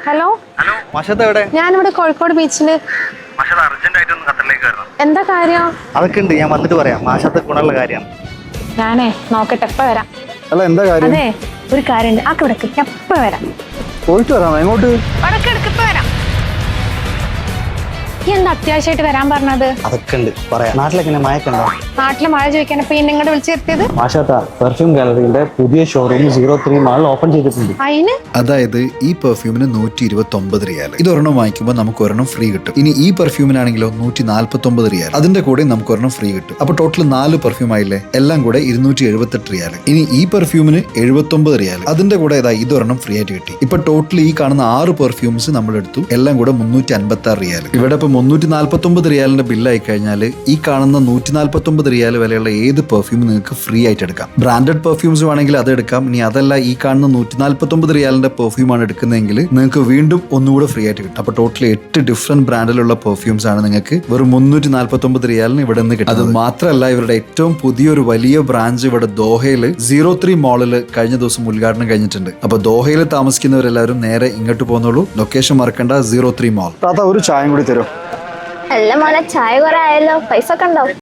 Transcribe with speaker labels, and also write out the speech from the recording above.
Speaker 1: Hello
Speaker 2: മഷത്ത് എവിടെ?
Speaker 1: ഞാനിവിടെ കോഴിക്കോട് ബീച്ചില്. എന്താ കാര്യം?
Speaker 2: അതൊക്കെ ഉണ്ട്, ഞാൻ വന്നിട്ട് പറയാം. മാഷത്തെ ഗുണമുള്ള കാര്യമാണ്.
Speaker 1: ഞാനേ നോക്കട്ടെ, എപ്പ വരാം.
Speaker 2: അല്ല എന്താ കാര്യം?
Speaker 1: അതെ, ഒരു കാര്യമുണ്ട്. ആ കിടക്ക്, എപ്പ വരാം.
Speaker 2: പോയിട്ട് വരാം. എങ്ങോട്ട്?
Speaker 1: ഇപ്പ വരാം. ഈ എന്താ അത്യാവശ്യമായിട്ട് വരാൻ പറഞ്ഞത്?
Speaker 2: അതൊക്കെ ഉണ്ട്, പറയാം. നാട്ടിലൊക്കെ മഴക്കുണ്ടോ?
Speaker 1: നാട്ടില് മഴ ചോദിക്കാൻ ഇപ്പൊ നിങ്ങളുടെ വിളിച്ചു വരുത്തിയത്?
Speaker 2: മാഷാത്ത പെർഫ്യൂം ഗാലറിയുടെ പുതിയ ഷോറൂം 03 മാളിൽ ഓപ്പൺ ചെയ്തിട്ടുണ്ട്.
Speaker 1: അതിന്
Speaker 3: അതായത് ഈ പെർഫ്യൂമിന് 129 റിയാൽ. ഇത് ഒരെണ്ണം വാങ്ങിക്കുമ്പോൾ നമുക്ക് ഒരെണ്ണം ഫ്രീ കിട്ടും. ഇനി ഈ പെർഫ്യൂമിനാണെങ്കിലോ 149 റിയാൽ. അതിന്റെ കൂടെ നമുക്ക് ഒരെണ്ണം ഫ്രീ കിട്ടും. അപ്പൊ ടോട്ടൽ 4 പെർഫ്യൂം ആയില്ലേ? എല്ലാം കൂടെ 278 റിയാൽ. ഇനി ഈ പെർഫ്യൂമിന് 79 റിയാൽ. അതിന്റെ കൂടെ ഇതൊരെണ്ണം ഫ്രീ ആയിട്ട് കിട്ടി. ഇപ്പൊ ടോട്ടൽ ഈ കാണുന്ന 6 പെർഫ്യൂംസ് നമ്മൾ എടുത്തു. എല്ലാം കൂടെ 356 റിയാൽ. ഇവിടെ ഇപ്പൊ 349 റിയാലിന്റെ ബില്ലായി കഴിഞ്ഞാൽ ഈ കാണുന്ന 149 റിയാൽ വിലയുള്ള ഏത് പെർഫ്യൂം നിങ്ങൾക്ക് ഫ്രീ ആയിട്ട് എടുക്കാം. ബ്രാൻഡഡ് പെർഫ്യൂംസ് വേണമെങ്കിൽ അത് എടുക്കാം. ഇനി അതല്ല, ഈ കാണുന്ന 149 റിയാലിന്റെ പെർഫ്യൂം ആണ് എടുക്കുന്നതെങ്കിൽ നിങ്ങൾക്ക് വീണ്ടും ഒന്നുകൂടെ ഫ്രീ ആയിട്ട് കിട്ടും. അപ്പൊ ടോട്ടൽ 8 ഡിഫറെന്റ് ബ്രാൻഡിലുള്ള പെർഫ്യൂംസ് ആണ് നിങ്ങൾക്ക് വെറും 349 റിയാലിന് ഇവിടെ നിന്ന് കിട്ടും. അത് മാത്രമല്ല, ഇവരുടെ ഏറ്റവും പുതിയൊരു വലിയ ബ്രാഞ്ച് ഇവിടെ ദോഹയിൽ 03 മാളിൽ കഴിഞ്ഞ ദിവസം ഉദ്ഘാടനം കഴിഞ്ഞിട്ടുണ്ട്. അപ്പൊ ദോഹയിൽ താമസിക്കുന്നവരെല്ലാവരും നേരെ ഇങ്ങോട്ട് പോകുന്നുള്ളൂ. ലൊക്കേഷൻ മറക്കണ്ട, 03 മാൾ.
Speaker 2: ഒരു ചായം കൂടി തരും.
Speaker 4: അല്ല മോനെ, ചായ കുറെ ആയല്ലോ, പൈസ ഒക്കെ ഉണ്ടോ?